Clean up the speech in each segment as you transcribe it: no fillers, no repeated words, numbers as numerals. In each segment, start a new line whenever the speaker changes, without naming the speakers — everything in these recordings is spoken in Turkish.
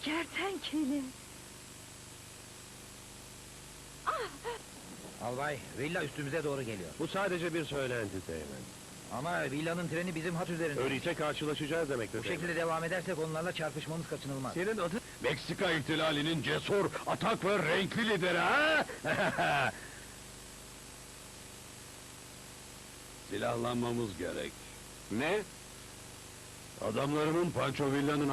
Kertenkele!
Albay, villa üstümüze doğru geliyor.
Bu sadece bir söylenti Teğmen.
Ama villanın treni bizim hat üzerinde.
Öyleyse karşılaşacağız demektir
Bu
Teğmen.
şekilde devam edersek onlarla çarpışmamız kaçınılmaz.
Senin adın...
Meksika ihtilalinin cesur, atak ve renkli lideri ha? Silahlanmamız gerek.
Ne?
Adamlarımın Pancho Villa'nın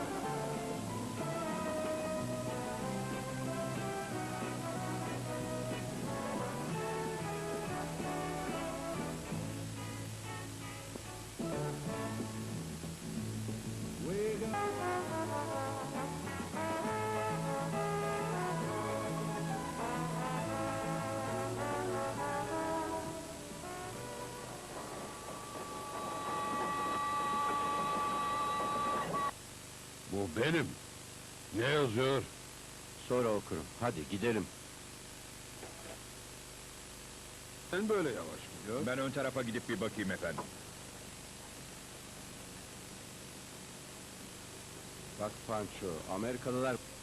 Bu benim. Ne yazıyor?
Sonra okurum. Hadi gidelim.
Sen böyle yavaş gidiyor.
Ben ön tarafa gidip bir bakayım efendim.
Bak Pancho, Amerikalılar